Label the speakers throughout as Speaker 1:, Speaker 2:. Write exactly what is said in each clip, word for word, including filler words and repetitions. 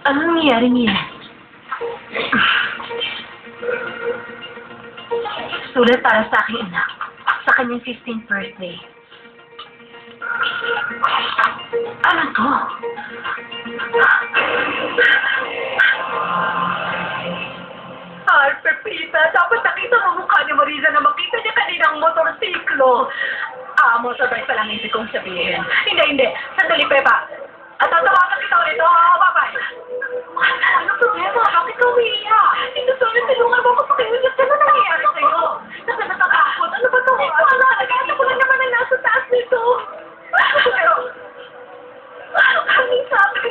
Speaker 1: Anong nangyayari niya? Sulat para sa aking anak sa kanyang fifteenth birthday. Ano to? Ay, Pepita, dapat nakita mo mukha ni Marisa na makita niya kaninang motorsiklo. Ah, motorbike pa lang hindi kong sabihin. Hindi, hindi. Sandali, Pepa. At tatawagan kita ulit. Oh, bye-bye. Ano problema? Bakit ka umiiyak? Ito, sorry, tulungan mo ako pakiulit. Ano nangyayari sa'yo? Nasa natatakot. Ano ba to? Wala, nag-aata ko lang naman na nasa taas nito. Pero, ang sabi.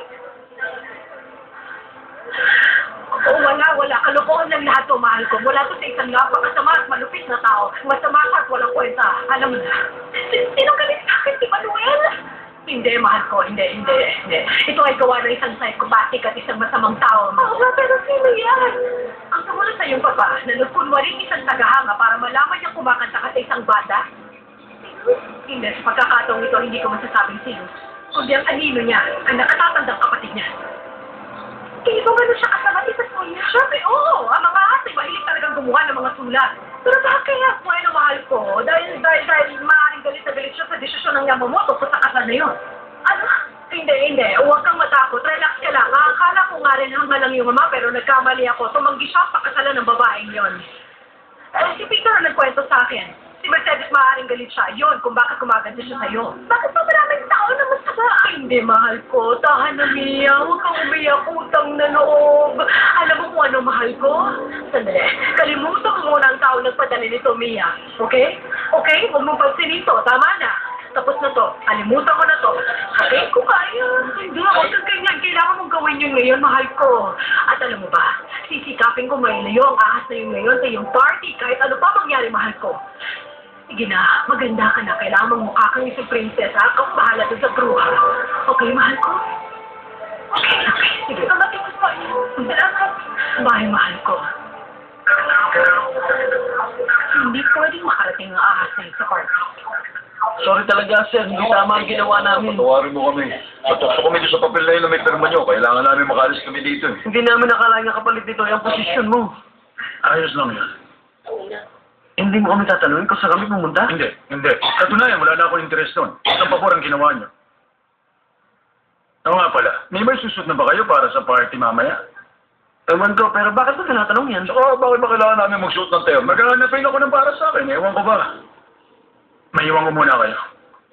Speaker 1: Oo, wala, wala. Kalokohan lang lahat to, mahal ko. Mula to sa isang napakasama at malupit na tao. Masama ka at walang kwenta. Alam mo na. Sinong galit sa akin, si Manuel? Hindi, mahal ko. Hindi, hindi, hindi. Ito ay gawa ng isang psychopathic at isang masamang tao. Oo nga, pero sino yan? Ang sumunod sa iyong papa, na nagkunwaring isang tagahanga para malaman niyang kumakanta ka sa isang banda? Hindi, sa pagkakataong ito, hindi ko masasabing sino. Kundi ang anino niya, ang nakatatandang kapatid niya. Kaya kung gano'n siya kasabati sa sulat? Siyempre, oo. Ang mga ate, mahilig talagang gumawa ng mga sulat. Pero bakit kaya, bueno, mahal ko? Dahil, dahil, dahil maaaring galit na galit siya sa desisyon ng Yamamoto sa kasal na yun. Ano? Hindi, hindi. Huwag kang matakot. Relax ka lang. Akala ko nga rin hanga lang yung mama, pero nagkamali ako. Tumanggi siya ang pakasalan ng babaeng yon. Eh, si Peter ang nagkwento sa akin. Si Mercedes maaaring galit siya. Yun, kung bakit kumaganda siya sa'yo. Bakit pa maraming tao na masama? Hindi, mahal ko. Tahan na, Mia. Huwag kang umiyak. Utang na loob. Alam mo kung ano, mahal ko? Sandali. Kalimutan ko muna ang tao nagpadala nito, Mia. Okay? Okay? Huwag mong pansinin to. Tama na. Tapos na to. Kalimutan ko na to. Okay? Kung kaya. Hindi. Huwag kang ganyan. Kailangan mong gawin yun ngayon, mahal ko. At alam mo ba, sisikapin ko ngayon na yung ahas na yun ngayon sa iyong party. Kahit ano pa mangyari, mahal ko. Sige na, maganda ka na. Kailangan mong mukha kang isang prinsesa. Ikaw bahala doon sa bruha. Okay, mahal ko? Okay, okay. Sige. Kamating ko pa iyo. Salamat. Bye, mahal ko. Hindi pwedeng makarating ang ahas na yun sa party.
Speaker 2: Sorry talaga, sir. Hindi tama ang ginawa namin.
Speaker 3: Patawarin mo kami. Patukso kami doon sa papel na yun na may pirma nyo. Kailangan namin makalis kami dito eh.
Speaker 2: Hindi namin nakalain na kapalit dito yung posisyon mo.
Speaker 3: Ayos lang yan.
Speaker 2: Hindi mo kami tatanungin kung saan kami pumunta?
Speaker 3: Hindi, hindi. Katunayan, wala na akong interest doon. Isang pabor ang ginawa nyo. Oo nga pala, may may susot na ba kayo para sa party mamaya?
Speaker 2: Ewan ko, pero bakit mo tinatanong yan?
Speaker 3: Saka bakit ba kailangan namin magsuot ng tayo? Maghahanapin ako ng para sa akin. Ewan ko ba? May iwan ko muna kayo.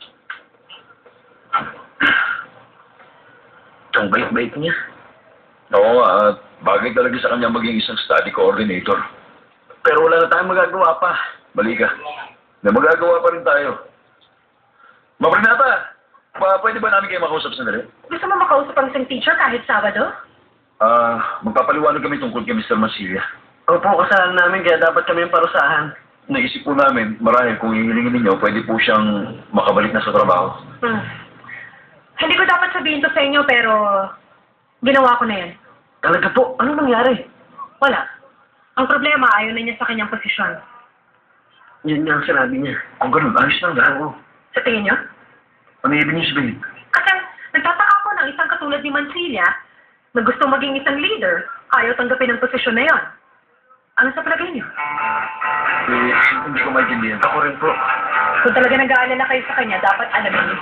Speaker 2: Ang bait-bait niya.
Speaker 3: Oo nga, at bagay talaga sa kanya maging isang study coordinator.
Speaker 2: Pero wala na tayong magagawa pa.
Speaker 3: Mali ka. Na magagawa pa rin tayo. Maprinata! Pa, pwede ba namin kayo makausap sandali?
Speaker 1: Gusto mo makausap ang isang teacher kahit Sabado?
Speaker 3: Ah, magpapaliwanag kami tungkol kay Mister Masilia.
Speaker 2: Opo, kasalanan namin kaya dapat kami yung parusahan.
Speaker 3: Naisip po namin, marahil kung hihilingin ninyo, pwede po siyang makabalik na sa trabaho.
Speaker 1: Hmm. Hindi ko dapat sabihin to sa inyo, pero ginawa ko na yan.
Speaker 2: Talaga po, ano nangyari?
Speaker 1: Wala. Ang problema, ayaw na niya sa kanyang posisyon.
Speaker 2: Yun nga ang sinabi niya.
Speaker 3: Kung ganun, ayos lang lahat.
Speaker 2: Oo.
Speaker 1: Sa tingin niyo?
Speaker 3: Ano ibig niyo sabihin?
Speaker 1: Kasi nagtataka ako ng isang katulad ni Mancilia na gusto maging isang leader, ayaw tanggapin ang posisyon na yon. Ano sa palagay niyo?
Speaker 3: Eh, hindi ko maintindihan.
Speaker 2: Ako rin po.
Speaker 1: Kung talaga nag-aalala kayo sa kanya, dapat alamin niyo.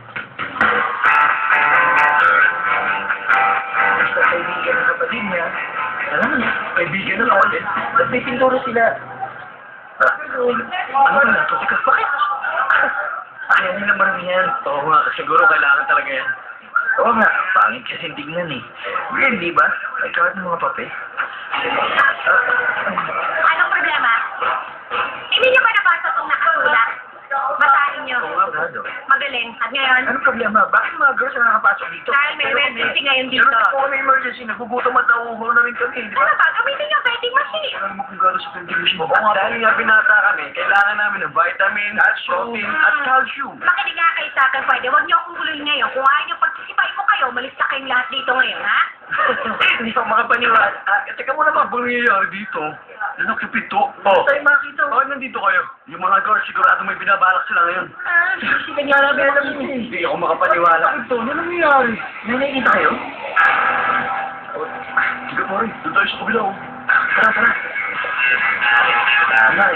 Speaker 2: Basta kaibigan ng kapatid niya. Alam mo niya, kaibigan ng kapatid. At may pinturo sila. Ah, ano ba na? Kasi bakit? Ayaw nila marami yan. Oo nga, siguro kailangan talaga yan. Oo nga, pangit kasi tingnan eh. Weird, di ba? May kawat ng mga pape.
Speaker 1: Anong problema? Hindi niyo ba nabasa itong nakasulat? Basahin niyo.
Speaker 2: Oo nga, brado.
Speaker 1: Magaling. At ngayon,
Speaker 2: Anong problema? Bakit mga girls na nakapasok dito?
Speaker 1: dahil may emergency ngayon dito.
Speaker 2: Pero kung may emergency, nagugutom at nauuhaw na rin kami, di ba?
Speaker 1: Ano ba? Gamitin niyo vending machine.
Speaker 2: Alam mo kung gano'n sa contribution mo. Oo nga, dahil nga binata kami, kailangan namin ng vitamin, protein, at calcium.
Speaker 1: Makinig nga kayo sa akin, pwede. Huwag niyo akong guluhin ngayon. Kung ayaw niyo participate ko kayo, malis na kayong lahat dito ngayon, ha?
Speaker 2: Hindi pa makapaniwala. Ah, teka muna ba, bang nangyayari dito? Ano, kapito? Oh. Tayo makita. Bakit nandito kayo? Yung mga girls, sigurado may binabalak sila ngayon.
Speaker 1: Ah,
Speaker 2: Sige nga namin alam mo. Hindi ako makapaniwala. Ito, ano nangyayari? May nakikita kayo?
Speaker 3: Sige, pare. Doon tayo sa kabila, oh. Tara, tara.
Speaker 2: Nay.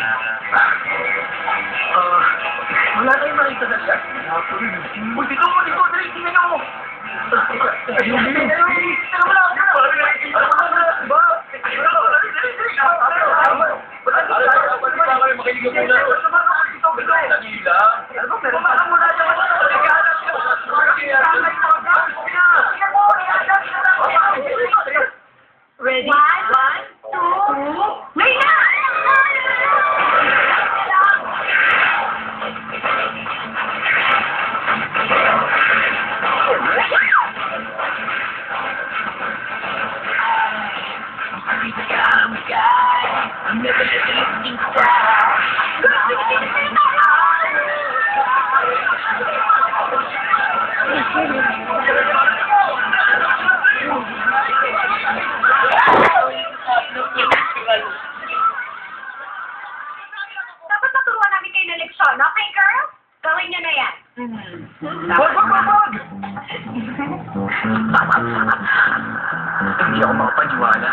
Speaker 2: Ah, wala tayong makita na siya. Uy, dito mo, dito, dali, tingnan mo. Ayun, ayun, ayun. Tara mo lang, tara. Pare, nakikita mo na, diba? Dali, dali, dali.
Speaker 3: Baka kayo makinig muna. Dali lang.
Speaker 1: Ready? One, one, two, ngayon na!
Speaker 2: I'm never let the lifting stop.
Speaker 1: Dapat maturuan namin kayo ng leksyon, okay, girl? Gawin niyo na yan.
Speaker 2: Wag, wag, wag, wag! Hindi ako makapaniwala.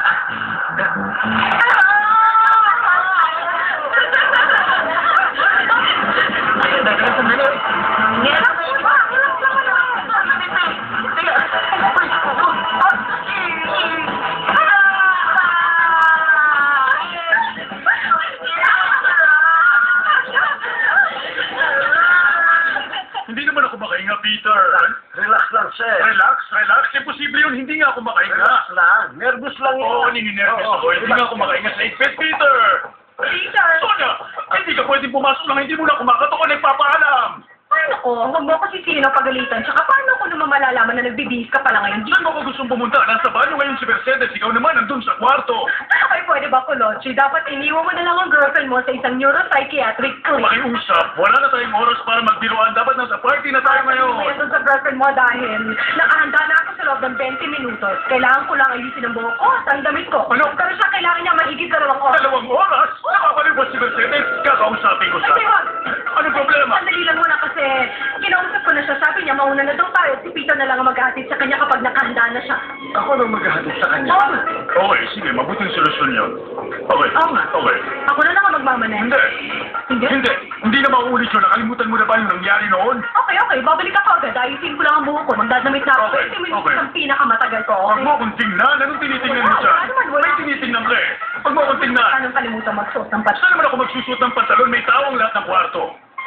Speaker 3: Hindi naman ako makahinga, Peter.
Speaker 2: Relax lang, sir.
Speaker 3: Relax, relax. Imposible yun. Hindi nga ako makahinga.
Speaker 2: Relax lang. Nervous lang yun.
Speaker 3: Oo, nininervous
Speaker 2: Oo,
Speaker 3: ako. Hindi nga ako makahinga sa igpit, Peter.
Speaker 1: Peter!
Speaker 3: Sonia, hindi ka pwedeng pumasok lang. Hindi mo na kumakato ko nagpapaalam.
Speaker 1: Paano ko? Huwag mo ko sisino pagalitan. Tsaka paano ko naman malalaman na nagbibihis ka pala ngayon?
Speaker 3: Saan mo ko gustong pumunta? Nasa banyo ngayon si Mercedes. Ikaw naman nandun sa kwarto.
Speaker 1: Ay, pwede ba, Kolochi? Dapat iniwan mo na lang ang girlfriend mo sa isang neuropsychiatric clinic.
Speaker 3: Makiusap. Wala na tayong oras para magbiruan. Dapat nasa party na tayo ngayon.
Speaker 1: Kaya doon sa girlfriend mo dahil nakahanda na ako sa loob ng twenty minutos. Kailangan ko lang alisin ang buhok ko at ang damit ko.
Speaker 3: Ano?
Speaker 1: Pero siya kailangan niya mahigit dalawang oras.
Speaker 3: Dalawang oras? Nakakaliw ba si Mercedes? Kakausapin ko siya.
Speaker 1: Kasi wag.
Speaker 3: Anong problema?
Speaker 1: Sandali lang muna kasi kinausap ko na siya. Sabi niya mauna na daw tayo. Si Peter na lang ang maghahatid sa kanya kapag nakahanda na siya.
Speaker 3: Ako nang maghahatid sa kanya.
Speaker 1: Oo nga.
Speaker 3: Okay, sige. Mabuting solusyon yun. Okay.
Speaker 1: Oo nga.
Speaker 3: Okay.
Speaker 1: Ako na lang ang magmamanen.
Speaker 3: Hindi.
Speaker 1: Hindi?
Speaker 3: Hindi. Hindi na mauulit yun. Nakalimutan mo na ba yung nangyari noon?
Speaker 1: Okay, okay. Babalik ako agad. Ayusin ko lang ang buhok ko. Magdadamit na ako.
Speaker 3: Okay,
Speaker 1: twenty minutes
Speaker 3: okay.
Speaker 1: ang pinakamatagal ko.
Speaker 3: Huwag
Speaker 1: Okay?
Speaker 3: mo akong tingnan. Anong tinitingnan mo siya?
Speaker 1: Wala naman, wala.
Speaker 3: May tinitingnan ka eh. Huwag mo akong tingnan.
Speaker 1: Anong kalimutan magsuot ng pat?
Speaker 3: Saan naman ako magsusuot ng pantalon? May tawang lahat ng kwarto.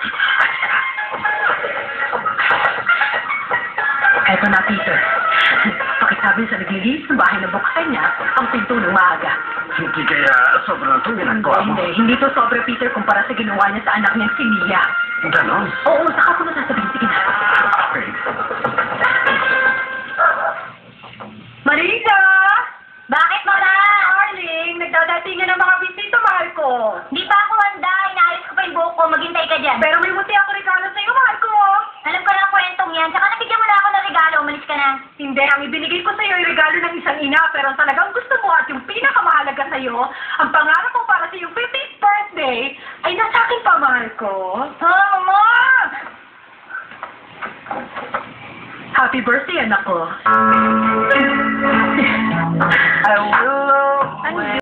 Speaker 1: Eto na, Peter. Pakisabi sa naglilinis ng bahay na buksan niya ang pinto ng maaga.
Speaker 2: Hindi kaya sobrang itong ginagawa mo.
Speaker 1: Hindi, hindi to sobre, Peter, kumpara sa ginawa niya sa anak niyang si Mia.
Speaker 2: Ganon?
Speaker 1: Oo, saka ko na sasabihin. Sige na.
Speaker 2: Okay.
Speaker 1: Marisa! Bakit, Mama? Darling, nagdadatingan ng mga bisita, mahal ko.
Speaker 4: Di pa ako handa. Inaayos ko pa yung buhok ko. Maghintay ka dyan.
Speaker 1: Pero may muti ako regalo sa'yo, mahal ko.
Speaker 4: Alam ko na ang kwentong yan. Tsaka nabigyan mo na ako ng regalo. Umalis ka na.
Speaker 1: Hindi, ang ibinigay ko sa'yo ay regalo ng isang ina, pero ang talagang gusto mo at yung pinakamahalaga sa'yo, ang pangarap mo para sa iyong fiftieth birthday, ay nasa akin pa, mahal ko.
Speaker 4: Ha, Mama!
Speaker 1: Happy birthday, anak ko.
Speaker 2: I will